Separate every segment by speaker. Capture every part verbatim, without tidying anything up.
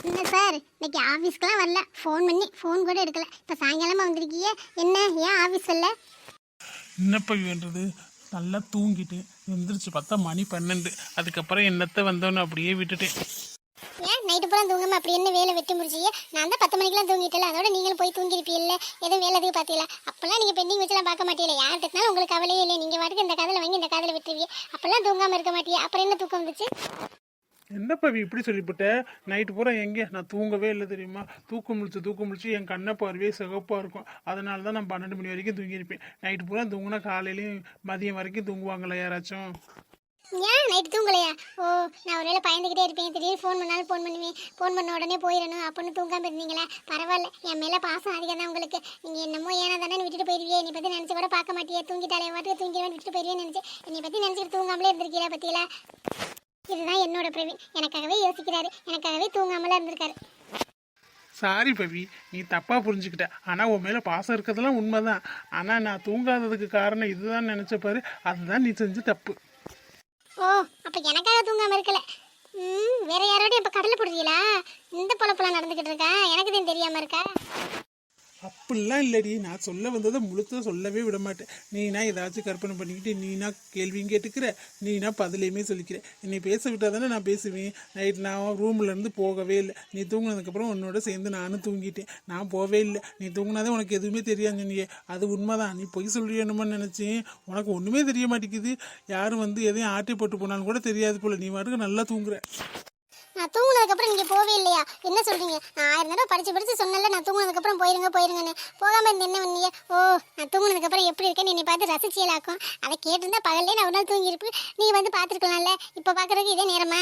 Speaker 1: என்ன சார் இன்னைக்கு ஆஃபீஸ்க்குலாம் வரல, ஃபோன் பண்ணி ஃபோன் கூட எடுக்கல. இப்போ சாயங்காலமாக வந்திருக்கீங்க, என்ன ஏன் ஆஃபீஸ் வரல?
Speaker 2: என்னப்பா வேண்டது? நல்லா தூங்கிட்டு எந்திரிச்சு பார்த்தா மணி பன்னெண்டு. அதுக்கப்புறம் என்னத்தை வந்தோன்னு அப்படியே விட்டுட்டேன்.
Speaker 1: ஏன் நைட்டு பூரா தூங்காம அப்படி என்ன வேலை வெட்டி முடிச்சியே? நான் தான் பத்து மணிக்கெல்லாம் தூங்கிட்டல, அதோட நீங்களும் போய் தூங்கிருப்பீல்ல. எதுவும் வேலை எதுவும் பார்த்தீங்களா? அப்பெல்லாம் நீங்கள் பெண்டிங் வச்சுலாம் பார்க்க மாட்டீங்களா? யார்கிட்டனாலும் உங்களுக்கு கவலையே இல்லை, நீங்கள் வாட்டுக்கு இந்த காதில் வாங்கி இந்த காதில் விட்டுருவீங்க. அப்பெல்லாம் தூங்காமல் இருக்க மாட்டியே, அப்புறம் என்ன தூக்கம் வந்துச்சு?
Speaker 2: என்னப்பா இப்படி சொல்லிவிட்ட? நைட்டு பூரா எங்கே நான் தூங்கவே இல்லை தெரியுமா? தூக்கம் முடிச்சு தூக்கம் முடிச்சு என் கண்ணை பார்வையே சிகப்பாக இருக்கும். அதனால தான் நான் பன்னெண்டு மணி வரைக்கும் தூங்கியிருப்பேன். நைட்டு பூரா தூங்கினா காலையிலையும் மதியம் வரைக்கும் தூங்குவாங்களா யாராச்சும்?
Speaker 1: ஏன் நைட்டு தூங்கலையா? ஓ, நான் ஒரு வேளை பயந்துக்கிட்டே இருப்பேன், திடீர்னு ஃபோன் பண்ணாலும் ஃபோன் பண்ணுவேன், ஃபோன் பண்ண உடனே போயிடணும் அப்படின்னு தூங்காமல் இருந்தீங்களா? பரவாயில்ல, என் மேலே பாசம் அதிகம் தான் உங்களுக்கு. நீங்கள் என்னமோ ஏன்னா தானே விட்டுட்டு போயிருவியே, என்னை பற்றி நினச்சி கூட பார்க்க மாட்டியே, தூங்கிட்டாலே வாட்டுக்கு தூங்கிடுவேன் விட்டுட்டு போயிருவேன்னு நினச்சி என்னை பற்றி நினச்சிட்டு தூங்காமலே இருந்திருக்கீங்களா பற்றியில? இதுதான் என்னோட பிரவீன், எனக்காகவே யோசிக்கிறாரு, எனக்காகவே தூங்காமலாம் இருந்திருக்காரு.
Speaker 2: சாரி பவி, நீ தப்பாக புரிஞ்சுக்கிட்ட. ஆனால் உன் மேலே பாசம் இருக்கிறதுலாம் உண்மைதான். ஆனால் நான் தூங்காததுக்கு காரணம் இதுதான் நினச்சப்பாரு, அதுதான் நீ செஞ்ச தப்பு.
Speaker 1: ஓ, அப்போ எனக்காக தூங்காமல் இருக்கல. ம், வேற யாரோட இப்போ கடலை போடுறீங்களா? இந்த பொழப்பெல்லாம் நடந்துக்கிட்டு இருக்கா, எனக்கு தான் தெரியாமல் இருக்கா?
Speaker 2: அப்படிலாம் இல்லடி, நான் சொல்ல வந்ததை முழுத்த சொல்லவே விட மாட்டேன். நீனா ஏதாச்சும் கற்பனை பண்ணிக்கிட்டு நீனா கேள்வியும் கேட்டுக்கிற, நீனா பதிலையுமே சொல்லிக்கிற. என்னை பேச விட்டால் தானே நான் பேசுவேன். நைட் நான் ரூம்லேருந்து போகவே இல்லை. நீ தூங்கினதுக்கப்புறம் உன்னோட சேர்ந்து நானும் தூங்கிட்டேன். நான் போகவே இல்லை. நீ தூங்கினாதே உனக்கு எதுவுமே தெரியாது சொன்னியே, அது உண்மைதான். நீ பொய் சொல்லியணுமான்னு நினச்சேன். உனக்கு ஒன்றுமே தெரிய மாட்டேங்குது. யாரும் வந்து எதையும் ஆட்டி போட்டு போனாலும் கூட தெரியாது போல். நீ வாட்டுக்கு நல்லா தூங்குற.
Speaker 1: நான் தூங்குனதுக்கப்புறம் நீங்கள் போவே இல்லையா? என்ன சொல்கிறீங்க? நான் ஆயிரம் தடவை படித்து படித்து சொன்னல, நான் தூங்குனதுக்கப்புறம் போயிருங்க போயிருங்கன்னு. போகாமல் இருந்து என்ன பண்ணீங்க? ஓ, நான் தூங்குனதுக்கப்புறம் எப்படி இருக்கேன்னு என்னை பார்த்து ரசிச்சியலாக்கும். அதை கேட்டிருந்தா பகல்லே நான் ஒரு நாள் தூங்கியிருப்பேன், நீ வந்து பார்த்துருக்கலாம்ல. இப்போ பார்க்குறதுக்கு இதே நேரமா?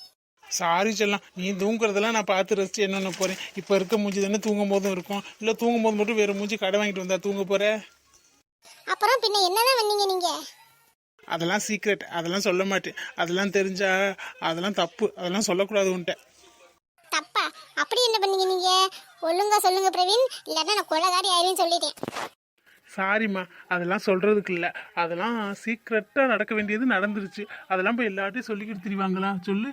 Speaker 2: சாரி சொல்லலாம், நீ தூங்குறதெல்லாம் நான் பார்த்து ரசிச்சு என்னென்ன போகிறேன். இப்போ இருக்க மூஞ்சி தானே தூங்கும் போதும் இருக்கும். இல்லை தூங்கும் போது மட்டும் வேறு மூஞ்சி கடை வாங்கிட்டு வந்தா தூங்க போகிற?
Speaker 1: அப்புறம் பின்ன என்னதான் பண்ணீங்க நீங்கள்?
Speaker 2: அதெல்லாம் சீக்ரெட், அதெல்லாம் சொல்ல மாட்டேன். அதெல்லாம் தெரிஞ்சா அதெல்லாம் தப்பு, அதெல்லாம் சொல்லக்கூடாது உன்ட்ட.
Speaker 1: தப்பா? அப்படி என்ன பண்ணீங்க நீங்கள்? ஒழுங்கா சொல்லுங்க பிரவீன், இல்லைன்னா நான் கொலகாரி ஆயிருன்னு சொல்லிட்டேன்.
Speaker 2: சாரிம்மா, அதெல்லாம் சொல்கிறதுக்கு இல்லை. அதெல்லாம் சீக்ரெட்டாக நடக்க வேண்டியது நடந்துருச்சு. அதெல்லாம் போய் எல்லார்ட்டையும் சொல்லிக்கிட்டு திரிவாங்களா சொல்லு?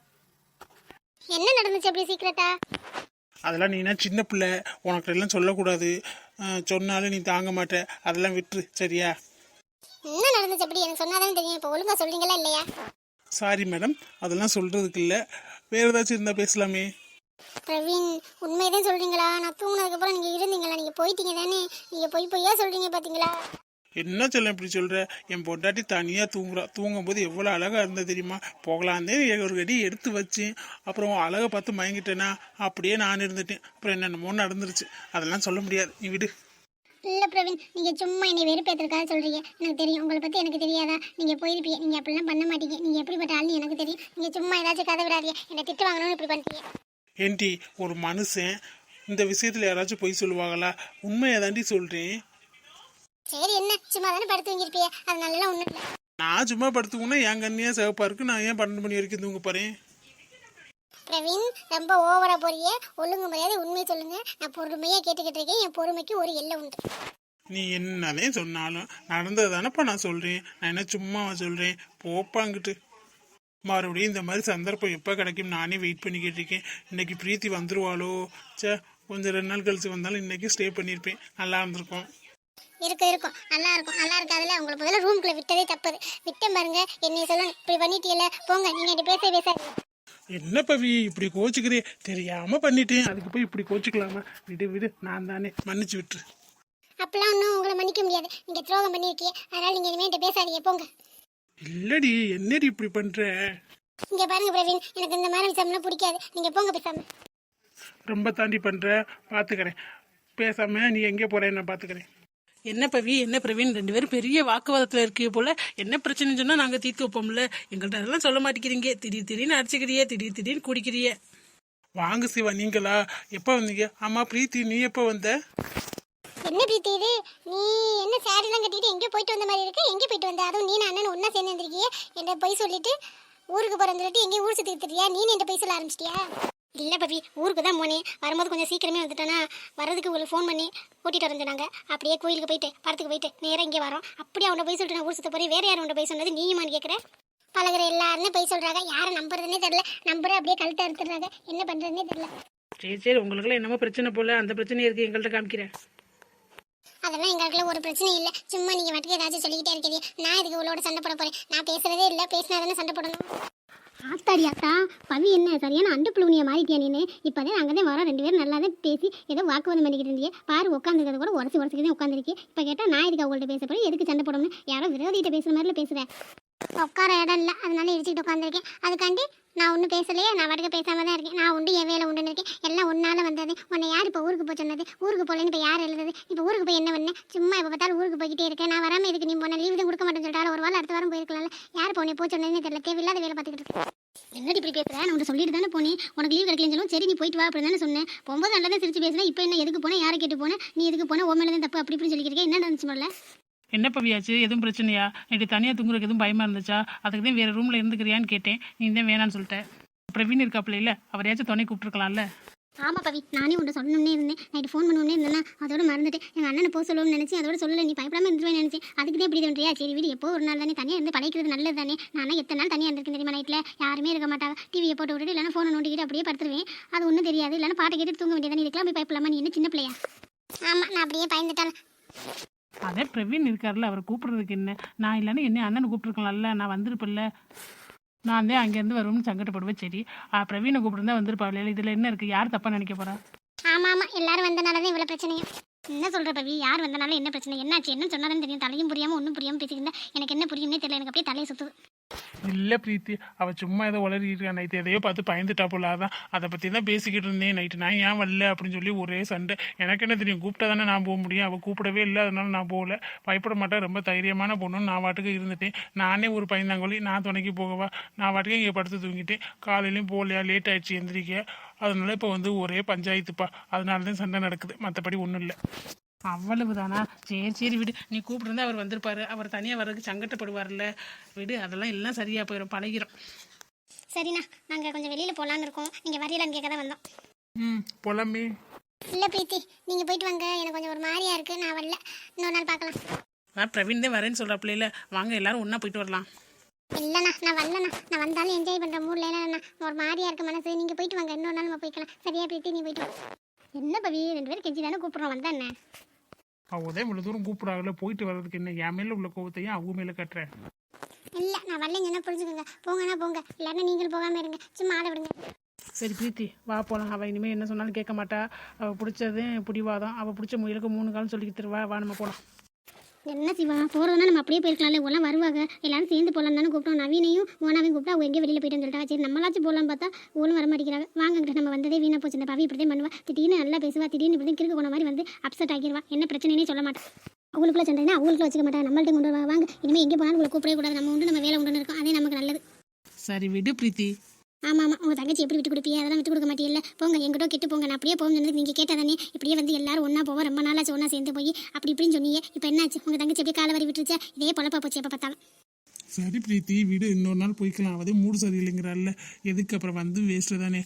Speaker 1: என்ன நடந்துச்சு அப்படி சீக்ரெட்டா?
Speaker 2: அதெல்லாம் நீனா சின்ன பிள்ளை, உனக்கு எல்லாம் சொல்லக்கூடாது. சொன்னாலும் நீ தாங்க மாட்ட. அதெல்லாம் விட்டுரு, சரியா?
Speaker 1: என்ன நடந்துச்சு அப்படி எனக்கு சொன்னாதானே தெரியும். இப்போ ஒழுங்கா சொல்றீங்களா இல்லையா?
Speaker 2: சாரி மேடம், அதெல்லாம் சொல்கிறதுக்கு இல்லை. வேறு ஏதாச்சும் இருந்தால் பேசலாமே.
Speaker 1: பிரவீன், உண்மையதான் சொல்றீங்களா? நான் தூங்கினதுக்கப்புறம் நீங்கள் இருந்தீங்களா? நீங்கள் போயிட்டீங்க தானே? நீங்கள் பொய் பொய்யா சொல்றீங்க பார்த்தீங்களா?
Speaker 2: என்ன சொல்ல இப்படி சொல்கிற? என் பொண்டாட்டி தனியாக தூங்குறா. தூங்கும்போது எவ்வளோ அழகாக இருந்தது தெரியுமா? போகலாந்தே ஒரு கடி எடுத்து வச்சேன். அப்புறம் அழகை பார்த்து மயங்கிட்டேனா, அப்படியே நான் இருந்துட்டேன். அப்புறம் என்னென்னமோ நடந்துருச்சு. அதெல்லாம் சொல்ல முடியாது, நீ விடு.
Speaker 1: இல்லை பிரவீன், நீங்கள் சும்மா என்னை வெறுப்பேற்றுக்காக சொல்கிறீங்க. எனக்கு தெரியும், உங்களை பற்றி எனக்கு தெரியாதா? நீங்கள் போயிருப்பீங்க, நீங்கள் அப்படிலாம் பண்ண மாட்டீங்க. நீங்கள் எப்படிப்பட்ட ஆள்னு எனக்கு தெரியும். நீங்கள் சும்மா ஏதாச்சும் கதை விடாதீங்க, என்னை திட்டு வாங்கணும்னு இப்படி பண்ணுறீங்க.
Speaker 2: ஏன்டி, ஒரு மனுஷன் இந்த விஷயத்தில் யாராச்சும் பொய் சொல்லுவாங்களா? உண்மையை தாண்டி சொல்கிறேன்.
Speaker 1: சரி, என்ன சும்மா தானே படுத்து வாங்கியிருப்பியே, அது நல்லா ஒன்றும் இல்லை.
Speaker 2: நான் சும்மா படுத்துக்கோன்னா என் கண்ணியாக சிவப்பாக இருக்கு. நான் ஏன் பன்னெண்டு மணி வரைக்கும் தூங்க போகிறேன்?
Speaker 1: பிரவீன், ரொம்ப ஓவரா போறியே. ஒழுங்கு மரியாதை உண்மையை சொல்லுங்க. நான் பொறுமையாக கேட்டுக்கிட்டு இருக்கேன். என் பொறுமைக்கு ஒரு எல்லை உண்டு.
Speaker 2: நீ என்னதே சொன்னாலும் நடந்தது தானப்பா நான் சொல்கிறேன். நான் என்ன சும்மா சொல்கிறேன்? போப்பாங்கிட்டு. மறுபடியும் இந்த மாதிரி சந்தர்ப்பம் எப்போ கிடைக்கும் நானே வெயிட் பண்ணிக்கிட்டு இருக்கேன். இன்னைக்கு பிரீத்தி வந்துருவாளோ? சே, கொஞ்சம் ரெண்டு நாள் கழிச்சு வந்தாலும் இன்னைக்கு ஸ்டே பண்ணியிருப்பேன், நல்லா இருந்திருக்கும்.
Speaker 1: இருக்கும் இருக்கும் நல்லா இருக்கும். நல்லா இருக்காதுல்ல? உங்களை முதல்ல ரூம்குள்ளே விட்டதே தப்பது. விட்ட பாருங்க, என்னை சொல்லணும். இப்படி பண்ணிட்டீல, போங்க. நீங்கள் என்கிட்ட பேச பேசாது.
Speaker 2: என்ன பவி இப்படி கோச்சுக்கிறே? தெரியாம பண்ணிட்டேன், அதுக்கு போய் இப்படி கோச்சுக்கலாமா? விடு விடு, நான் தானே, மன்னிச்சு விட்டுரு.
Speaker 1: அப்பெல்லாம் ஒன்றும் உங்களை மன்னிக்க முடியாது. நீங்கள் துரோகம் பண்ணியிருக்கீங்க, அதனால் நீங்கள் இனிமேல் என்கிட்ட பேசாதீங்க, போங்க.
Speaker 2: இல்லடி, என்னடி இப்படி பண்ற?
Speaker 1: இங்கே பாருங்க பிரவீன், எனக்கு இந்த மாதிரி விஷயம்லாம் பிடிக்காது. நீங்கள் போங்க பேசாம.
Speaker 2: ரொம்ப தாண்டி பண்ற, பாத்துக்கிறேன். பேசாம நீ எங்கே போற, நான் பாத்துக்கிறேன்.
Speaker 3: என்ன பவி, என்ன பிரவீன், ரெண்டு பேரும் பெரிய வாக்குவாதத்தில் இருக்கீங்க போல. என்ன பிரச்சனைன்னு சொன்னா நாங்க தீர்த்து வைப்போம்ல. எங்கள்கிட்ட அதெல்லாம் சொல்ல மாட்டேங்கிறீங்க. திடீர் திடீர்னு அடிச்சுக்கிறிய, திடீர் திடீர்னு குடிக்கிறிய.
Speaker 2: வாங்க சிவா, நீங்களா? எப்போ வந்தீங்க? ஆமா பிரீத்தி, நீ எப்போ வந்த?
Speaker 1: என்ன பிரீத்தி இது? நீ என்ன சாரிலாம் கட்டிட்டு எங்கேயோ போயிட்டு வந்த மாதிரி இருக்கு. எங்கே போயிட்டு வந்த? அதுவும் நீ நான் அண்ணன் ஒன்றா சேர்ந்து வந்திருக்கியே. என்ன போய் சொல்லிட்டு ஊருக்கு போகிறேன்னு சொல்லிட்டு எங்கேயும் ஊர் சுற்றி தெரியா? நீ என்ன போய் சொல்ல ஆரம்பிச்சிட்டியா? இல்லை பவி, ஊருக்கு தான் போனேன். வரும்போது கொஞ்சம் சீக்கிரமே வந்துட்டேன்னா, வரதுக்கு உங்களுக்கு ஃபோன் பண்ணி கூட்டிகிட்டு வர சொன்னாங்க. அப்படியே கோயிலுக்கு போயிட்டு படத்துக்கு போயிட்டு நேராக இங்கே வரோம். அப்படியே அவனை போய் சொல்லிட்டு நான் ஊர் சுற்ற போகிறேன். வேறு யாரும் அவனை போய் சொன்னது நீயுமான்னு கேட்குறேன். பழகுற எல்லாருமே போய் சொல்றாங்க, யாரை நம்புறதுன்னே தெரியல. நம்புற அப்படியே கழுத்தை அறுத்துறாங்க, என்ன பண்றதுன்னே தெரியல.
Speaker 3: சரி சரி உங்களுக்குலாம் என்னமோ பிரச்சனை போல, அந்த பிரச்சனையை இருக்கு எங்கள்கிட்ட காமிக்கிறேன்.
Speaker 1: அதெல்லாம் எங்களுக்குள்ள ஒரு பிரச்சனையும் இல்லை. சும்மா நீங்க மட்டும் ஏதாச்சும் சொல்லிக்கிட்டே இருக்கிறீங்க. நான் இதுக்கு இவளோட சண்டை போட போறேன்? நான் பேசுறதே இல்லை, பேசினா தானே சண்டை போடணும். ஆத்தாடி ஆத்தா, பவி என்ன சரியான அண்டு புழுவனியை மாறிட்டியா நீனு? இப்போதான் அங்கே தான் வரோம், ரெண்டு பேரும் நல்லா தான் பேசி ஏதோ வாக்குவாதம் பண்ணிக்கிட்டு இருந்தீங்க. பாரு உட்காந்துருக்கிறத கூட உடச்சி உடச்சிக்கிட்டே உட்காந்துருக்கு. இப்போ கேட்டால் நான் இதுக்கு அவங்கள்ட்ட பேச போறேன், எதுக்கு சண்டை போடணும்? யாரோ விரோதிகிட்ட பேசுகிற மாதிரில பேசுகிறேன். உட்கார இடம் இல்லை, அதனால இடிச்சுக்கிட்டு உட்காந்துருக்கேன். அதுக்காண்டி நான் ஒன்றும் பேசலையே, நான் வாட்டுக்கு பேசாம தான் இருக்கேன். நான் உண்டு என் வேலை உண்டுன்னு இருக்கேன். எல்லாம் ஒன்னால வந்தது. உன்னை யார் இப்போ ஊருக்கு போய் சொன்னது? ஊருக்கு போகலன்னு இப்போ யார் எழுதுது? இப்போ ஊருக்கு போய் என்ன பண்ணேன்? சும்மா இப்போ பார்த்தாலும் ஊருக்கு போய்கிட்டே இருக்கேன். நான் வராமல் இதுக்கு நீ போன லீவு தான் கொடுக்க மாட்டேன்னு சொல்லிட்டாலும் ஒரு வாரம் அடுத்த வாரம் போயிருக்கலாம்ல. யார் இப்போ உன்னை போய் சொன்னதுன்னு தெரியல. தேவையில்லாத வேலை பார்த்துக்கிட்டு இருக்கேன். என்னடி இப்படி பேசுகிறேன்? நான் உன்னை சொல்லிட்டு தானே போனேன், உனக்கு லீவ் கிடைக்கலன்னு சொல்லுவோம். சரி நீ போயிட்டு வா அப்படி தானே சொன்னேன். போகும்போது நல்லா தான் சிரிச்சு பேசுனேன். இப்போ என்ன எதுக்கு போனேன், யாரை கேட்டு போனேன், நீ எதுக்கு போனேன், உன் மேலே தான் தப்பு அப்படி இப்படின்னு சொல்லிக்கிறேன். என்ன நடந்துச்சு முதல்ல?
Speaker 3: என்ன பவியாச்சு, எதுவும் பிரச்சனையா? நைட்டு தனியாக தூங்குறதுக்கு எதுவும் பயமா இருந்துச்சா? அதுக்கு தான் வேற ரூமில் இருந்துக்கிறியான்னு கேட்டேன். நீ தான் வேணான்னு சொல்லிட்டேன். பிரவீன் இருக்காப்புல இல்லை, அவரையாச்சும் துணை கூப்பிட்டுருக்கலாம்ல.
Speaker 1: ஆமாம் பவி, நானே உன்ட்ட சொல்லணும்னே இருந்தேன். நைட்டு ஃபோன் பண்ணுவோன்னே இருந்தேன்னா அதோட மறந்துட்டு எங்கள் அண்ணனை போக சொல்லணும்னு நினச்சி அதோட சொல்லலை. நீ பயப்படாமல் இருந்துருவேன் நினச்சி அதுக்கு தான் இப்படி பண்ணுறியா? சரி வீடு எப்போ ஒரு நாள் தானே தனியாக இருந்து பழைக்கிறது நல்லது தானே. நானும் எத்தனை நாள் தனியாக இருந்திருக்கேன் தெரியுமா? நைட்டில் யாருமே இருக்க மாட்டாங்க. டிவியை போட்டு விட்டுட்டு இல்லைனா ஃபோனை நோண்டிக்கிட்டு அப்படியே படுத்துருவேன். அது ஒன்றும் தெரியாது. இல்லைனா பாட்டை கேட்டு தூங்க வேண்டியதானே. இதுக்கெல்லாம் போய் பயப்படலாமா? நீ என்ன சின்ன பிள்ளையா? ஆமாம், நான் அப்படியே பயந்துட்டாலும்.
Speaker 3: அதே பிரவீன் இருக்கார்ல, அவரை கூப்பிடுறதுக்கு என்ன? நான் இல்லைன்னா என்ன அண்ணனை கூப்பிட்டுருக்கலாம்ல, நான் வந்திருப்பில்ல. நான் தான் அங்கேருந்து வருவோம்னு சங்கடப்படுவேன். சரி பிரவீனை கூப்பிட்டுருந்தா வந்திருப்பாள். இதில் என்ன இருக்குது? யார் தப்பாக நினைக்க போகிறா?
Speaker 1: ஆமாம் ஆமாம், எல்லாரும் வந்தனால தான் இவ்வளோ பிரச்சனையும். என்ன சொல்கிற பவி? யார் வந்தனால என்ன பிரச்சனை? என்னாச்சு? என்ன சொன்னாலும் தெரியும். தலையும் புரியாமல் ஒன்றும் புரியாமல் பேசிக்கிருந்தா எனக்கு என்ன புரியும்னே தெரியல. எனக்கு அப்படியே தலையை சுற்றுது.
Speaker 2: இல்லை பிரீத்தி, அவள் சும்மா ஏதோ உளறிட்டு நைட்டு எதையோ பார்த்து பயந்துட்டா போல. அதான் அதை பற்றி தான் பேசிக்கிட்டு இருந்தேன் நைட்டு. நான் ஏன் வரல அப்படின்னு சொல்லி ஒரே சண்டை. எனக்கு என்ன தெரியும், கூப்பிட்டா தானே நான் போக முடியும். அவள் கூப்பிடவே இல்லை, அதனால நான் போகல. பயப்பட மாட்டேன், ரொம்ப தைரியமான பொண்ணுன்னு நான் வாட்டுக்கு இருந்துட்டேன். நானே ஒரு பயந்தாங்கொல்லி, நான் துணைக்கு போகவா? நான் வாட்டுக்கு இங்கே படுத்து தூங்கிட்டேன். காலையிலையும் போகலையா, லேட் ஆயிடுச்சு எந்திரிக்க. அதனால இப்போ வந்து ஒரே பஞ்சாயத்துப்பா. அதனால தான் சண்டை நடக்குது, மற்றபடி ஒன்றும் இல்லை.
Speaker 3: அவ்வளவுதானா? சரி சரி விடு. நீ கூப்பிட்டுருந்தா அவர் வந்திருப்பாரு. அவர் தனியாக வர்றதுக்கு சங்கடப்படுவார்ல. விடு, அதெல்லாம் எல்லாம் சரியாக போயிடும், பழகிறோம்.
Speaker 1: சரிண்ணா, நாங்கள் கொஞ்சம் வெளியில் போகலான்னு இருக்கோம். நீங்கள் வரீங்களான்னு கேட்க தான் வந்தோம்.
Speaker 2: ம் போலாமே.
Speaker 1: இல்லை பிரீத்தி, நீங்கள் போயிட்டு வாங்க. எனக்கு கொஞ்சம் ஒரு மாதிரியா இருக்குது, நான் வரல. இன்னொரு நாள் பார்க்கலாம்.
Speaker 3: நான் பிரவீன் தான் வரேன்னு சொல்கிறாப்புல. இல்லை வாங்க எல்லாரும் ஒன்றா போயிட்டு வரலாம்.
Speaker 1: இல்லைண்ணா, நான் வரலண்ணா. நான் வந்தாலும் என்ஜாய் பண்ணுற மூடில் இல்லைண்ணா. ஒரு மாதிரியா இருக்கு மனசு. நீங்கள் போயிட்டு வாங்க, இன்னொரு நாள் நம்ம போய்க்கலாம். சரியா பிரீத்தி, நீ போயிட்டு வாங்க. என்ன பவி, ரெண்டு பேரும் கெஞ்சி தானே கூப்பிட்றோம், வந்தா என்ன?
Speaker 2: அவதே இவ்வளோ தூரம் கூப்பிடாங்கல்ல, போயிட்டு வர்றதுக்கு என்ன? என் மேலே உள்ள கோவத்தையும் அவங்க மேலே கட்டுறேன்.
Speaker 1: இல்லை, நான் வரலைன்னு சொன்னால் புரிஞ்சுக்கோங்க. போங்கண்ணா போங்க, இல்லைன்னா நீங்களும் போகாமல் இருங்க. சும்மா ஆளை விடுங்க.
Speaker 3: சரி பிரீத்தி வா போகலாம். அவள் இனிமேல் என்ன சொன்னாலும் கேட்க மாட்டா. அவள் பிடிச்சதே பிடிவாதம். அவள் பிடிச்ச முயலுக்கு மூணு காலம் சொல்லிக்கிட்டு தருவா. வா நம்ம போகலாம்.
Speaker 1: என்ன சிவா, போகிறதுனா நம்ம அப்படியே போயிருக்கலாம்ல. எல்லாம் வருவாங்க, எல்லாரும் சேர்ந்து போகலாம் தானே கூப்பிட்டோம். நவீனையும் மோனாவையும் கூப்பிட்டா அவங்க எங்கேயும் வெளியில் போயிட்டு சொல்லிட்டா. சரி நம்மளாச்சும் போகலான்னு பார்த்தா ஓலும் வர மாட்டேங்கிறாங்க. வாங்கிட்ட நம்ம வந்ததே வீணாக போச்சு. இந்த பவி இப்படி தான் பண்ணுவா. திடீர்னு நல்லா பேசுவா, திடீர்னு இப்படி கிறுக்கு போன மாதிரி வந்து அப்செட் ஆகிடுவா. என்ன பிரச்சனைனே சொல்ல மாட்டேன். அவங்களுக்குள்ள சண்டைனா அவங்களுக்குள்ள வச்சுக்க மாட்டா. நம்மள்ட்ட கொண்டு வா. வாங்க, இனிமேல் எங்கே போனாலும் உங்களை கூப்பிடவே கூடாது. நம்ம உண்டு நம்ம வேலை உண்டுன்னு இருக்கும், அதே நமக்கு நல்லது.
Speaker 3: சரி விடு பிரீத்தி.
Speaker 1: ஆமாம் ஆமாம், உங்கள் தங்கச்சி எப்படி விட்டு கொடுப்பீங்க? அதெல்லாம் விட்டு கொடுக்க மாட்டேன். இல்லை போங்க, எங்கிட்ட கெட்டு போங்க. நான் அப்படியே போகும்போது நீங்கள் கேட்டால் தானே. இப்படியே வந்து எல்லாரும் ஒன்றா போவோம். ரொம்ப நாளாச்சு ஒன்றா சேர்ந்து போய் அப்படி இப்படின்னு சொன்னீங்க. இப்போ என்னாச்சு? உங்கள் தங்கச்சி அப்படியே காலை வரி விட்டுருச்சா? இதே பொழப்பா போச்சு எப்போ பார்த்தாலும்.
Speaker 2: சரி பிரீத்தி விடு, இன்னொரு நாள் போய்க்கலாம். அவதே மூடு சரியில்லைங்கிறாள்ல, எதுக்கு அப்புறம் வந்து வேஸ்ட்டு தானே.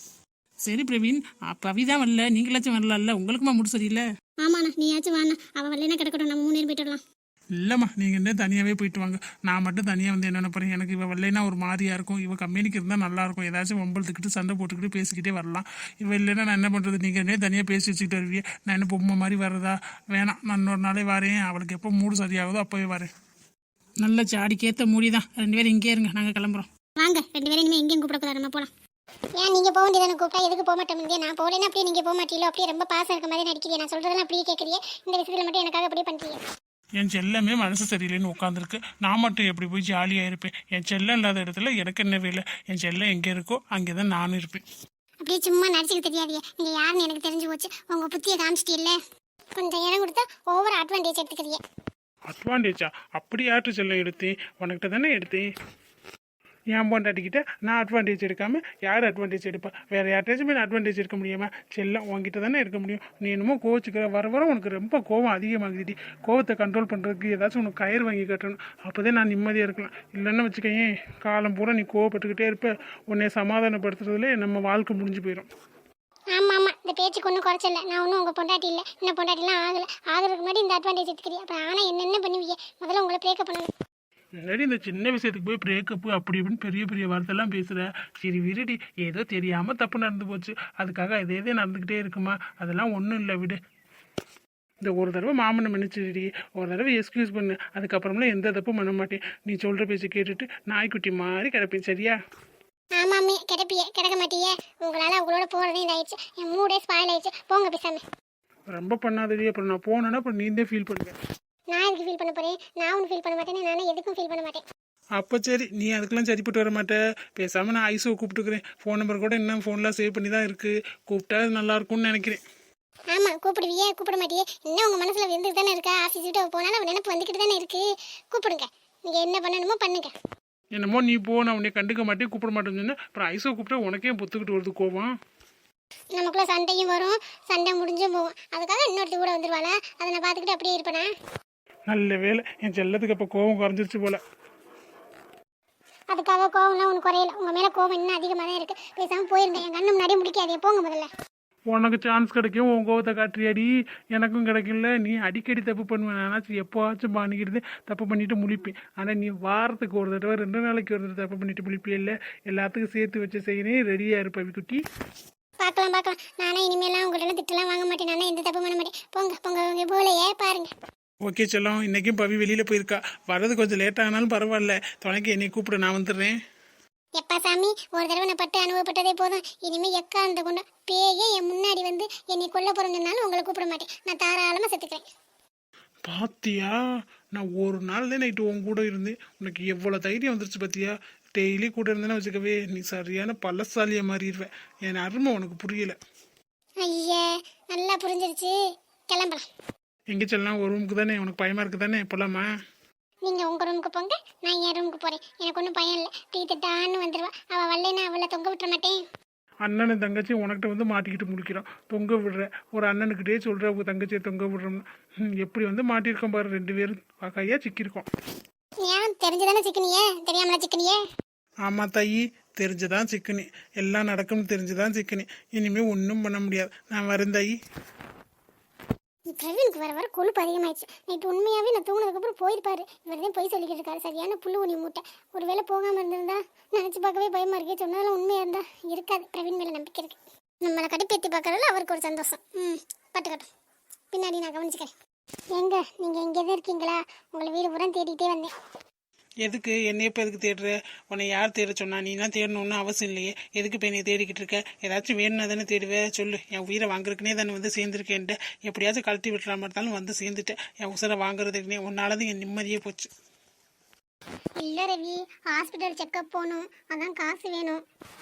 Speaker 3: சரி பிரவீன், பவி தான் வரல, நீங்களாச்சும் வரலாம்ல. உங்களுக்குமா மூடு சரியில்லை?
Speaker 1: ஆமாண்ணா, நீயாச்சும் வாண்ணா. அவள் வரலைன்னா கிடக்கட்டும், நம்ம மூணு நேரம் போயிட்டு வரலாம்.
Speaker 2: இல்லைம்மா, நீங்கள் என்ன தனியாகவே போயிட்டு வாங்க. நான் மட்டும் தனியாக வந்து என்ன நினைப்பேன்? எனக்கு இவ வரலைன்னா ஒரு மாதிரியாக இருக்கும். இவ கம்பெனிக்கு இருந்தால் நல்லாயிருக்கும். ஏதாச்சும் வம்பளத்துக்கிட்டு சண்டை போட்டுக்கிட்டு பேசிக்கிட்டே வரலாம். இவ இல்லைன்னா நான் என்ன பண்ணுறது? நீங்கள் என்ன தனியாக பேசி வச்சுக்கிட்டு வருவீங்க. நான் என்ன பொம்மை மாதிரி வர்றதா? வேணாம், நான் இன்னொரு நாளே வரேன். அவளுக்கு எப்போ மூடு சரியாகுதோ அப்போவே வரேன்.
Speaker 3: நல்ல சாடிக்கேற்ற மூடி தான். ரெண்டு பேரும் இங்கே இருங்க, நாங்கள் கிளம்புறோம்.
Speaker 1: வாங்க, ரெண்டு பேரும் இனிமேல் எங்கேயும் கூப்பிடக்கூடாது, நம்ம போகலாம். ஏன் நீங்கள் போக வேண்டியதானே? கூப்பிட்டா எதுக்கு போக மாட்டோம்? நான் போகலன்னா அப்படியே நீங்கள் போக மாட்டீங்களோ? அப்படியே ரொம்ப பாசம் இருக்க மாதிரி நடிக்கிறீங்க. நான் சொல்கிறதெல்லாம் அப்படியே கேட்குறீங்க. இந்த விஷயத்தில் மட்டும் எனக்காக அப்படியே பண்ணுறீங்க.
Speaker 2: என் செல்லமே மனசு சரியில்லைன்னு உட்காந்துருக்கு. நான் மட்டும் எப்படி போய் ஜாலியாக இருப்பேன்? என் செல்லம் இல்லாத இடத்துல எனக்கு என்ன வேலை? என் செல்லம் எங்கே இருக்கோ அங்கே தான் நானும் இருப்பேன்.
Speaker 1: அப்படியே சும்மா நடிச்சுக்க தெரியாதியே. நீங்கள் யாருன்னு எனக்கு தெரிஞ்சு போச்சு. உங்கள் புத்தியை காமிச்சிட்டில்ல. கொஞ்சம் இடம் கொடுத்தா ஓவர் அட்வான்டேஜ் எடுத்துக்கிறீங்க.
Speaker 2: அட்வான்டேஜா? அப்படி யார்ட்டு செல்லம் எடுத்தேன்? உனக்கிட்ட தானே எடுத்தேன். என் பொண்டாட்டிக்கிட்ட நான் அட்வான்டேஜ் எடுக்காமல் யார் அட்வான்டேஜ் எடுப்பா? வேறு யார்ட்டாச்சும் நான் அட்வான்டேஜ் எடுக்க முடியுமா? செல்லம் உங்ககிட்ட தானே எடுக்க முடியும். நீ என்னமோ கோவச்சுக்கிற. வர வர உனக்கு ரொம்ப கோவம் அதிகமாகுதுடி. கோவத்தை கண்ட்ரோல் பண்ணுறதுக்கு ஏதாச்சும் உனக்கு கயிறு வாங்கி கட்டணும். அப்போ தான் நான் நிம்மதியாக இருக்கலாம். இல்லைன்னு வச்சுக்கேன், காலம் பூரா நீ கோவப்பட்டுக்கிட்டே இருப்ப. உன்னை சமாதானப்படுத்துறதுலே நம்ம வாழ்க்கை முடிஞ்சு போயிடும்.
Speaker 1: ஆமாம் ஆமாம், இந்த பேச்சுக்கு ஒன்றும் குறைச்சல. நான் ஒன்றும் உங்கள் பொண்டாட்டி இல்லை. இன்னும் பொண்டாட்டிலாம் ஆகலை. ஆகிறதுக்கு முன்னாடி இந்த அட்வான்டேஜ் எடுத்துக்கிறீங்க. அப்புறம் ஆனால் என்னென்ன பண்ணுவீங்க? முதல்ல உங்களை பிரேக்கப் பண்ணணும்.
Speaker 2: முன்னாடி இந்த சின்ன விஷயத்துக்கு போய் பிரேக்கப்பு அப்படி இப்படின்னு பெரிய பெரிய வார்த்தைலாம் பேசுகிற. சரி விடுடி, ஏதோ தெரியாமல் தப்பு நடந்து போச்சு, அதுக்காக இதே இதே நடந்துக்கிட்டே இருக்குமா? அதெல்லாம் ஒன்றும் இல்லை, விடு. இந்த ஒரு தடவை மாமனை மன்னிச்சிடி, ஒரு தடவை எக்ஸ்கியூஸ் பண்ணு, அதுக்கப்புறமெல்லாம் எந்த தப்பும் பண்ண மாட்டேன். நீ சொல்கிற பேச்சு கேட்டுட்டு நாய்க்குட்டி மாதிரி கிடப்பேன், சரியா?
Speaker 1: ஆமாமே, கிடப்பியே கிடக்க மாட்டியே. உங்களால் அவங்களோட போகிறதே இதாயிடுச்சு, என் மூடே ஸ்பாயில் ஆயிடுச்சு. போங்க பேசாம.
Speaker 2: ரொம்ப பண்ணாதடி, அப்புறம் நான் போனேன்னா அப்புறம் நீ தான் ஃபீல் பண்ணுவேன்.
Speaker 1: நான் எதுக்கு ஃபீல் பண்ண போகிறேன்? நான் ஒன்றும் ஃபீல் பண்ண மாட்டேன், நானே எதுக்கும் ஃபீல் பண்ண மாட்டேன்.
Speaker 2: அப்போ சரி, நீ அதுக்கெல்லாம் சரிப்பட்டு வர மாட்டேன். பேசாமல் நான் ஐஸோ கூப்பிட்டுக்கிறேன். ஃபோன் நம்பர் கூட இன்னும் ஃபோன்லாம் சேவ் பண்ணி தான் இருக்குது. கூப்பிட்டா நல்லா இருக்கும்னு நினைக்கிறேன்.
Speaker 1: ஆமாம், கூப்பிடுவியே கூப்பிட மாட்டியே. இன்னும் உங்கள் மனசில் இருந்துட்டு தானே இருக்கா? ஆஃபீஸ் விட்டு போனாலும் அவன் நினைப்பு வந்துக்கிட்டு தானே இருக்குது. கூப்பிடுங்க, நீங்கள் என்ன பண்ணணுமோ பண்ணுங்க.
Speaker 2: என்னமோ நீ போ, நான் உன்னை கண்டுக்க மாட்டேன், கூப்பிட மாட்டேன்னு சொன்னேன். அப்புறம் ஐஸோ கூப்பிட்டா உனக்கே பொத்துக்கிட்டு வருது கோவம்.
Speaker 1: நமக்குள்ள சண்டையும் வரும், சண்டை முடிஞ்சும் போகும். அதுக்காக இன்னொருத்தி கூட வந்துருவாளா? அதை நான் பார்த்துக்கிட்டு அப்படியே இருப்பேனா?
Speaker 2: நல்ல வேலை, என் செல்லத்துக்கு அப்போ கோவம் குறைஞ்சிருச்சு போல.
Speaker 1: அதுக்காக கோவம்லாம் ஒன்று குறையல. உங்கள் மேலே கோவம் இன்னும் அதிகமாக தான் இருக்குது. பேசாமல் போயிருங்க, என் கண்ணு முன்னாடியே முடிக்காதே. போங்க முதல்ல.
Speaker 2: உனக்கு சான்ஸ் கிடைக்கும், உன் கோவத்தை காட்டுறியாடி, எனக்கும் கிடைக்கல. நீ அடிக்கடி தப்பு பண்ணுவேன், ஆனாச்சும் எப்போவாச்சும் பண்ணிக்கிட்டு தப்பு பண்ணிட்டு முழிப்பேன். ஆனால் நீ வாரத்துக்கு ஒரு தடவை ரெண்டு நாளைக்கு ஒரு தடவை தப்பு பண்ணிட்டு முழிப்பே இல்லை. எல்லாத்துக்கும் சேர்த்து வச்சு செய்யணும், ரெடியாக இருப்ப குட்டி.
Speaker 1: பார்க்கலாம் பார்க்கலாம். நானே இனிமேலாம் உங்கள்கிட்ட திட்டலாம் வாங்க மாட்டேன். நானே எந்த தப்பு பண்ண மாட்டேன். போங்க போங்க, உங்க போலையே பாருங்க.
Speaker 2: ஓகே செல்லம், இன்றைக்கும் பவி வெளியில் போயிருக்கா. வர்றது கொஞ்சம் லேட் ஆனாலும் பரவாயில்ல, துணைக்கு என்னை கூப்பிட, நான் வந்துடுறேன்.
Speaker 1: எப்பா சாமி, ஒரு தடவை நான் பட்டு அனுபவப்பட்டதே போதும். இனிமேல் எக்கா அந்த கொண்டு பேயே என் முன்னாடி வந்து என்னை கொல்ல போகிறோம்னாலும் உங்களை கூப்பிட மாட்டேன். நான் தாராளமாக செத்துக்கிறேன்.
Speaker 2: பாத்தியா, நான் ஒரு நாள் தான் நைட்டு உன் கூட இருந்தேன், உனக்கு எவ்வளோ தைரியம் வந்துருச்சு பார்த்தியா? டெய்லி கூட இருந்தேன்னா வச்சுக்கவே நீ சரியான பல்லசாலியை மாறிடுவேன். என் அருமை உனக்கு புரியலை.
Speaker 1: ஐயா, நல்லா புரிஞ்சிருச்சு. கிளம்பலாம்.
Speaker 2: எங்கே செல்லாம்? ஒரு ரூமுக்கு தானே, உனக்கு பயமாக இருக்குது தானே? போலாமா?
Speaker 1: நீங்கள் உங்கள் ரூமுக்கு போங்க, நான் என் ரூமுக்கு போகிறேன். எனக்கு ஒன்றும் பயம் இல்லை. டீ திட்டான்னு வந்துடுவா. அவள் வரலைன்னா அவளை தொங்க விட்டுற மாட்டேன்.
Speaker 2: அண்ணன் தங்கச்சி உனக்கிட்ட வந்து மாட்டிக்கிட்டு முடிக்கிறோம். தொங்க விடுற ஒரு அண்ணனுக்கிட்டே சொல்கிற உங்கள் தங்கச்சியை தொங்க விடுறோம்னு எப்படி வந்து மாட்டியிருக்கோம் பாரு. ரெண்டு பேரும் கையாக சிக்கியிருக்கோம்.
Speaker 1: ஏன் தெரிஞ்சுதானே சிக்கனியே? தெரியாமலா சிக்கனியே?
Speaker 2: ஆமாம் தாயி, தெரிஞ்சுதான் சிக்கனி. எல்லாம் நடக்கும்னு தெரிஞ்சுதான் சிக்கனி. இனிமேல் ஒன்றும் பண்ண முடியாது. நான் வரேன் தாயி.
Speaker 1: பிரவீனுக்கு வர வர கொழுப்பு அதிகமாயிடுச்சு. நைட்டு உண்மையாகவே நான் தூங்கினதுக்கப்புறம் போயிருப்பாரு. இவர் தான் போய் சொல்லிக்கிட்டு இருக்காரு. சரியான புல்லு உனி மூட்டை. ஒரு வேளை போகாமல் இருந்திருந்தா நினச்சி பார்க்கவே பயமாக இருக்கே. சொன்னாலும் உண்மையாக இருந்தா இருக்காது. பிரவீன் மேலே நம்பிக்கை இருக்கு. நம்மளை கடுப்பேற்றி பார்க்கறதுல அவருக்கு ஒரு சந்தோஷம். ம், பட்டுக்கட்டும், பின்னாடி நான் கவனிச்சுக்கிறேன். எங்க நீங்கள் எங்கே தான் இருக்கீங்களா? உங்களை வீடு பூரா தேடிட்டே வந்தேன்.
Speaker 2: எதுக்கு என்னைய இப்போ எதுக்கு தேடுற? உன்னை யார் தேட சொன்னா? நீலாம் தேடணும்னு அவசியம் இல்லையே. எதுக்கு இப்போ என்னை தேடிக்கிட்டு இருக்க? ஏதாச்சும் வேணும்னா தானே தேடுவேன். சொல்லு. என் உயிரை வாங்குறதுக்குனே தானே வந்து சேர்ந்துருக்கேன்ட்டு. எப்படியாச்சும் கழட்டி விட்டுற மாதிரி இருந்தாலும் வந்து சேர்ந்துட்டேன். என் உசரை வாங்குறதுக்குனே உன்னாலதான் என் நிம்மதியே போச்சு.
Speaker 1: இல்லை ரவி, ஹாஸ்பிட்டல் செக்கப் போகணும், அதான் காசு வேணும்.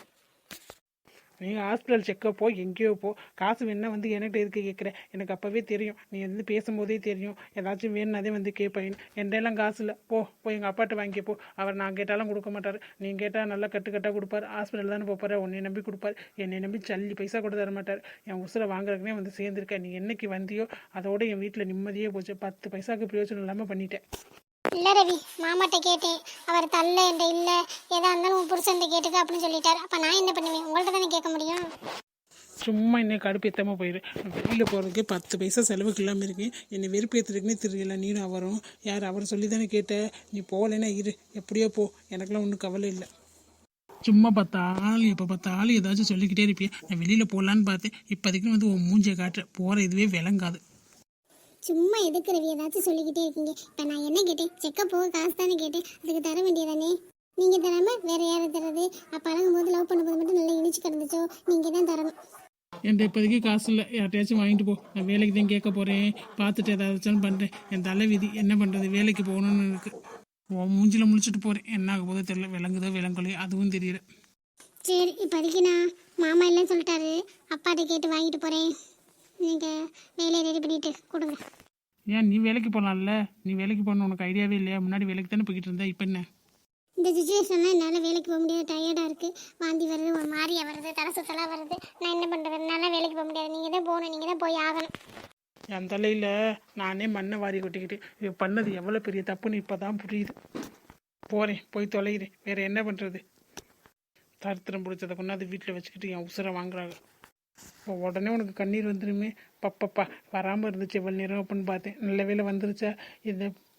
Speaker 2: நீங்கள் ஹாஸ்பிட்டல் செக்கப் போ, எங்கேயோ போ, காசு வேணா வந்து என்கிட்ட இருக்க கேட்குற. எனக்கு அப்போவே தெரியும், நீ வந்து பேசும்போதே தெரியும் ஏதாச்சும் வேணுனாதே வந்து கேட்பேன். என்கிட்டலாம் காசு இல்லை. போ போய் எங்கள் அப்பாட்ட வாங்கி போ. அவர் நான் கேட்டாலும் கொடுக்க மாட்டார். நீ கேட்டால் நல்லா கட்டுக்கட்டாக கொடுப்பார். ஹாஸ்பிட்டல் தானே போப்பார். உன்னை நம்பி கொடுப்பார். என்னை நம்பி சல்லி பைசா கூட தர மாட்டார். என் உசுரை வாங்குறதுக்குனே வந்து சேர்ந்துருக்கேன். நீ என்னைக்கு வந்தியோ அதோட என் வீட்டில் நிம்மதியே போச்சு. பத்து பைசாவுக்கு பிரயோஜனம் இல்லாமல் பண்ணிட்டேன்.
Speaker 1: இல்லை ரவி, மாமாட்ட கேட்டேன். அவர் தள்ள என்கிட்ட இல்லை, எதா இருந்தாலும் உன் புருஷன்ட்ட கேட்டுக்க அப்படின்னு சொல்லிட்டார். அப்போ நான் என்ன பண்ணுவேன்? உங்கள்கிட்ட தானே கேட்க முடியும்.
Speaker 2: சும்மா என்னை கடுப்பேற்றாமல் போயிடு. வெளியில் போகிறதுக்கு பத்து பைசா செலவுக்கு இல்லாமல் இருக்கு. என்னை வெறுப்பேற்றுறதுக்குனே தெரியல. நீனும் அவரும் யார்? அவர் சொல்லி தானே கேட்ட. நீ போகலைன்னா இரு, எப்படியோ போ, எனக்கெல்லாம் ஒன்றும் கவலை இல்லை. சும்மா பார்த்தாலும் எப்போ பார்த்தாலும் ஏதாச்சும் சொல்லிக்கிட்டே இருப்பியே. நான் வெளியில் போகலான்னு பார்த்தேன். இப்போதைக்கு வந்து உன் மூஞ்சியை காட்டுற. போகிற இதுவே விளங்காது.
Speaker 1: சும்மா எதுக்கு ரவி ஏதாச்சும் சொல்லிக்கிட்டே இருக்கீங்க? இப்போ நான் என்ன கேட்டேன்? செக்கப் போக காசு தானே கேட்டேன். அதுக்கு தர வேண்டியதானே? நீங்கள் தராமல் வேறு யாரை தர்றது? அப்போ அழகும்போது லவ் பண்ணும்போது மட்டும் நல்லா இனிச்சு கிடந்துச்சோ? நீங்கள் தான் தரணும்.
Speaker 2: என்கிட்ட இப்போதைக்கு காசு இல்லை. யார்ட்டையாச்சும் வாங்கிட்டு போ. நான் வேலைக்கு தான் கேட்க போகிறேன். பார்த்துட்டு ஏதாச்சும் பண்ணுறேன். என் தலை விதி என்ன பண்ணுறது? வேலைக்கு போகணுன்னு இருக்குது. உன் மூஞ்சில் முழிச்சிட்டு போகிறேன். என்ன ஆக போதோ தெரியல. விளங்குதோ விளங்கலையோ அதுவும் தெரியல.
Speaker 1: சரி, இப்போதைக்கு நான் மாமா இல்லைன்னு சொல்லிட்டாரு. அப்பாட்ட கேட்டு வாங்கிட்டு போகிறேன். நீங்கள் வேலையை ரெடி பண்ணிட்டு கொடுங்க.
Speaker 2: ஏன் நீ வேலைக்கு போகலாம்ல? நீ வேலைக்கு போகணும் உனக்கு ஐடியாவே இல்லையா? முன்னாடி வேலைக்கு தானே போய்கிட்டு இருந்தா, இப்போ என்ன?
Speaker 1: இந்த சுச்சுவேஷனில் என்னால் வேலைக்கு போக முடியாது. டயர்டாக இருக்குது. வாந்தி வருது, ஒரு மாதிரியாக வருது, தலை சுத்தலாம் வருது. நான் என்ன பண்ணுறது? என்னால் வேலைக்கு போக முடியாது. நீங்கள் தான் போகணும். நீங்கள் தான் போய் ஆகணும்.
Speaker 2: என் தலையில் நானே மண்ணை வாரி கொட்டிக்கிட்டு இது பண்ணது எவ்வளோ பெரிய தப்புன்னு இப்போ தான் புரியுது. போகிறேன், போய் தொலைகிறேன். வேறு என்ன பண்ணுறது? தரித்திரம் பிடிச்சதை கொண்டாந்து வீட்டில் வச்சுக்கிட்டு என் உசுரை வாங்குறாங்க. இப்போ உடனே உனக்கு கண்ணீர் வந்துடுமே. பப்பப்பா வராமல் இருந்துச்சு எவ்வளோ நேரம் அப்படின்னு பார்த்தேன். நல்ல வேலை வந்துருச்சா? இந்த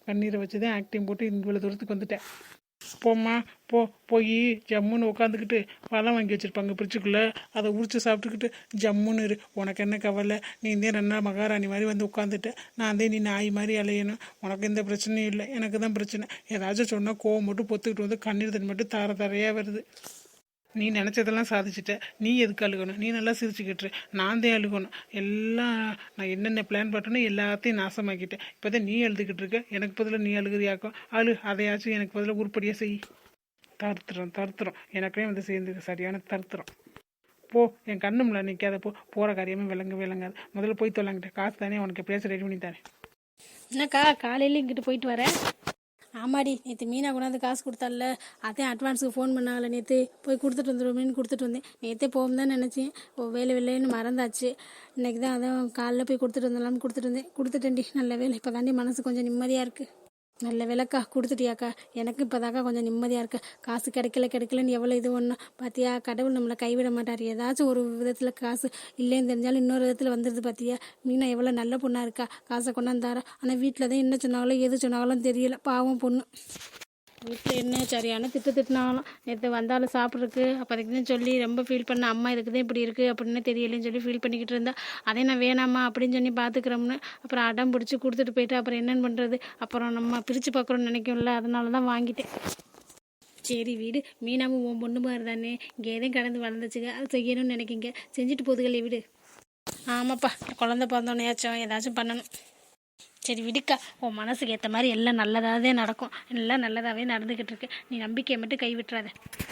Speaker 2: கண்ணீரை வச்சு தான் ஆக்டிங் போட்டு இவ்வளோ தூரத்துக்கு வந்துட்டேன். போம்மா போ, போய் ஜம்முன்னு உட்காந்துக்கிட்டு பழம் வாங்கி வச்சுருப்பாங்க ஃப்ரிட்ஜுக்குள்ளே, அதை உரிச்சு சாப்பிட்டுக்கிட்டு ஜம்முன்னு இரு. உனக்கு என்ன கவலை? நீ இதே ரெண்டா மகாராணி மாதிரி வந்து உட்காந்துட்ட, நான் தான் நீ நாய் மாதிரி அலையணும். உனக்கு எந்த பிரச்சனையும் இல்லை, எனக்கு தான் பிரச்சனை. ஏதாச்சும் சொன்னால் கோவம் மட்டும் பொத்துக்கிட்டு வந்து கண்ணீர் தண்ணி மட்டும் தர தரையாக வருது. நீ நினச்சதெல்லாம் சாதிச்சிட்ட, நீ எதுக்கு அழுகணும்? நீ நல்லா சிரிச்சுக்கிட்டு, நான் தான் அழுகணும். எல்லாம் நான் என்னென்ன பிளான் பண்ணணும் எல்லாத்தையும் நாசமாக்கிட்டேன். இப்போ தான் நீ எழுதுக்கிட்டு இருக்க, எனக்கு பதிலாக நீ அழுகுறியாக்கும். அழு, அதையாச்சும் எனக்கு பதிலாக உருப்படியாக செய். தருத்துறோம் தருத்துறோம் எனக்கே வந்து சேர்ந்துருக்கு, சரியான தருத்துறோம். போ, என் கண்ணும்ல நிற்காத போ, போகிற காரியமே விளங்க விளங்காது. முதல்ல போய் தொல்லாங்கிட்ட, காசு தானே உனக்கு எப்படியாச்சும் ரெடி பண்ணி தரேன்.
Speaker 4: என்னக்கா காலையில் இங்கிட்டு போயிட்டு வரேன். ஆமாடி, நேற்று மீனா கொண்டாந்து காசு கொடுத்தால, அதே அட்வான்ஸுக்கு ஃபோன் பண்ணாங்கல்ல, நேற்று போய் கொடுத்துட்டு வந்துடுவோமேனு கொடுத்துட்டு வந்தேன். நேற்றே போகும் தான் நினச்சேன், ஓ வேலை வேலைன்னு மறந்தாச்சு. இன்றைக்கி தான் அதான் காலைல போய் கொடுத்துட்டு வந்துடலாம்னு கொடுத்துட்டு வந்தேன். கொடுத்துட்டேன்டி, நல்ல வேலை. இப்போ தாண்டி மனசு கொஞ்சம் நிம்மதியாக இருக்குது. நல்ல வேலைக்கா, கொடுத்துட்டியாக்கா. எனக்கு இப்போதாக்கா கொஞ்சம் நிம்மதியாக இருக்கு. காசு கிடைக்கல கிடைக்கலன்னு எவ்வளோ இது ஒன்றும் பார்த்தியா, கடவுள் நம்மளை கைவிட மாட்டார். ஏதாச்சும் ஒரு விதத்தில் காசு இல்லைன்னு தெரிஞ்சாலும் இன்னொரு விதத்தில் வந்துடுது. பார்த்தியா, மீனா எவ்வளோ நல்ல பொண்ணாக இருக்கா, காசை கொண்டாந்தாரா. ஆனால் வீட்டில் தான் என்ன சொன்னாங்களோ எது சொன்னாங்களோ தெரியல, பாவம் பொண்ணு. வீட்டில் என்ன சரியான திட்டு திட்டினாலும், நேற்று வந்தாலும் சாப்பிட்றதுக்கு அப்போதைக்கு தான் சொல்லி ரொம்ப ஃபீல் பண்ண, அம்மா இதுக்கு தான் இப்படி இருக்குது அப்படின்னு தெரியலேன்னு சொல்லி ஃபீல் பண்ணிக்கிட்டு இருந்தா. அதே நான் வேணாமா அப்படின்னு சொல்லி பார்த்துக்கிறோம்னு அப்புறம் அடம் பிடிச்சி கொடுத்துட்டு போயிட்டு அப்புறம் என்னென்னு பண்ணுறது, அப்புறம் நம்ம பிரித்து பார்க்குறோன்னு நினைக்கும்ல, அதனால தான் வாங்கிட்டேன். சரி வீடு, மீனாவும் உன் பொண்ணு மாதிரி தானே, இங்கே எதையும் கடந்து வளர்ந்துச்சுங்க, அது செய்யணும்னு நினைக்கிங்க, செஞ்சுட்டு போதுகளே வீடு. ஆமாப்பா, குழந்தை பிறந்தோன்னையாச்சும் ஏதாச்சும் பண்ணணும். சரி விடுக்கா, உன் மனசுக்கு ஏற்ற மாதிரி எல்லாம் நல்லதாகவே நடக்கும், எல்லாம் நல்லதாகவே நடந்துக்கிட்டு இருக்கு. நீ நம்பிக்கையை மட்டும் கைவிட்டுறாத.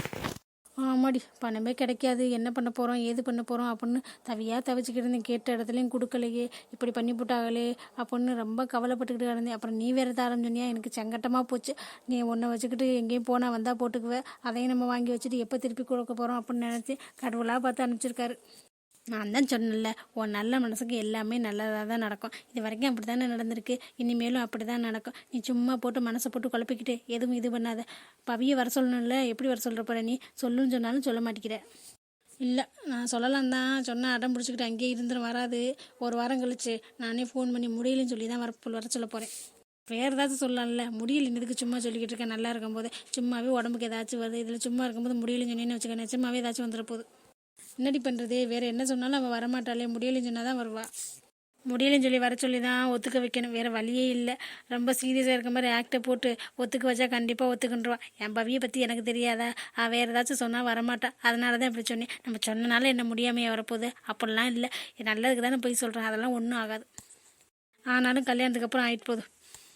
Speaker 4: ஆமாடி, பணமே கிடைக்காது, என்ன பண்ண போகிறோம் ஏது பண்ண போகிறோம் அப்படின்னு தவியாக தவிச்சிக்கிட்டு இருந்தேன். கேட்ட இடத்துலையும் கொடுக்கலையே, இப்படி பண்ணி போட்டாங்களே அப்படின்னு ரொம்ப கவலைப்பட்டுக்கிட்டு கிடந்தேன். அப்புறம் நீ வேறு தாரம் சொன்னியா, எனக்கு சங்கட்டமாக போச்சு. நீ ஒன்றை வச்சுக்கிட்டு எங்கேயும் போனால் வந்தால் போட்டுக்குவேன், அதையும் நம்ம வாங்கி வச்சுட்டு எப்போ திருப்பி கொடுக்க போகிறோம் அப்படின்னு நினச்சி கடவுளாக பார்த்து அனுப்பிச்சிருக்காரு. நான் தான் சொன்னேன்ல, உன் நல்ல மனசுக்கு எல்லாமே நல்லதாக தான் நடக்கும். இது வரைக்கும் அப்படி தானே நடந்திருக்கு, இனிமேலும் அப்படி தான் நடக்கும். நீ சும்மா போட்டு மனசை போட்டு குழப்பிக்கிட்டு எதுவும் இது பண்ணாத. பவியை வர சொல்லணும்ல, எப்படி வர சொல்கிற போகிற நீ? சொல்லுன்னு சொன்னாலும் சொல்ல மாட்டேங்கிற. இல்லை, நான் சொல்லலாம் தான் சொன்னால் அடம் பிடிச்சிக்கிட்டு அங்கேயே இருந்துடும், வராது. ஒரு வாரம் கழிச்சு நானே ஃபோன் பண்ணி முடியலன்னு சொல்லி தான் வர வர சொல்ல போகிறேன். வேறு ஏதாச்சும் சொல்லலாம்ல, முடியல இதுக்கு சும்மா சொல்லிக்கிட்டு இருக்கேன். நல்லா இருக்கும்போது சும்மாவே உடம்புக்கு ஏதாச்சும் வருது, இதில் சும்மா இருக்கும்போது முடியலன்னு சொன்னேன்னு வச்சுக்க, நிச்சயமாகவே ஏதாச்சும் வந்துட போகுது. என்னடி பண்ணுறது, வேறு என்ன சொன்னாலும் அவள் வரமாட்டாளே, முடியலைன்னு சொன்னால் தான் வருவா. முடியலைன்னு சொல்லி வர சொல்லி தான் ஒத்துக்க வைக்கணும், வேறு வழியே இல்லை. ரொம்ப சீரியஸாக இருக்க மாதிரி ஆக்டை போட்டு ஒத்துக்க வச்சா கண்டிப்பாக ஒத்துக்கின்றுவா. என் பவியை பற்றி எனக்கு தெரியாதா, அவள் வேறு ஏதாச்சும் சொன்னால் வரமாட்டா, அதனால தான் இப்படி சொன்னேன். நம்ம சொன்னனால என்ன முடியாமையே வரப்போகுது, அப்படிலாம் இல்லை. நல்லதுக்கு தானே போய் சொல்கிறேன், அதெல்லாம் ஒன்றும் ஆகாது. ஆனாலும் கல்யாணத்துக்கு அப்புறம் ஆகிட்டு போதும்.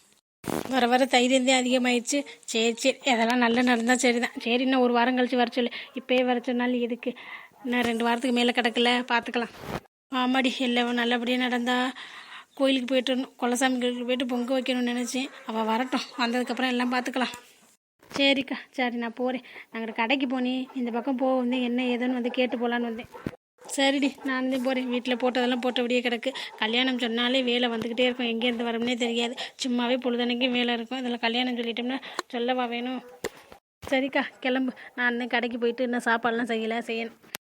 Speaker 4: வர வர தைரியந்தே அதிகமாகிடுச்சு. சரி சரி, அதெல்லாம் நல்லா நடந்தால் சரி தான். சரி, இன்னும் ஒரு வாரம் கழிச்சு வர சொல்லு, இப்போயே வர சொன்னாலும் எதுக்கு, இன்னும் ரெண்டு வாரத்துக்கு மேலே கிடக்கல, பார்த்துக்கலாம். ஆமாடி, எல்லாம் நல்லபடியாக நடந்தா கோயிலுக்கு போய்ட்டு வரணும், குலசாமி கோயிலுக்கு போய்ட்டு பொங்க வைக்கணும்னு நினச்சேன். அவள் வரட்டும், வந்ததுக்கப்புறம் எல்லாம் பார்த்துக்கலாம். சரிக்கா, சரி நான் போகிறேன். நாங்கள் கடைக்கு போனேன், இந்த பக்கம் போக வந்து என்ன ஏதுன்னு வந்து கேட்டு போகலான்னு வந்தேன். சரிடி, நான் வந்து போகிறேன். வீட்டில் போட்டதெல்லாம் போட்டபடியே கிடக்கு. கல்யாணம் சொன்னாலே வேலை வந்துக்கிட்டே இருக்கும், எங்கேருந்து வரும்னே தெரியாது. சும்மாவே பொழுதனைக்கும் வேலை இருக்கும், இதில் கல்யாணம் சொல்லிட்டோம்னா சொல்லவா வேணும். சரிக்கா, கிளம்பு. நான் இன்னும் கடைக்கு போயிட்டு இன்னும் சாப்பாடெலாம் செய்யலை, செய்யணும்.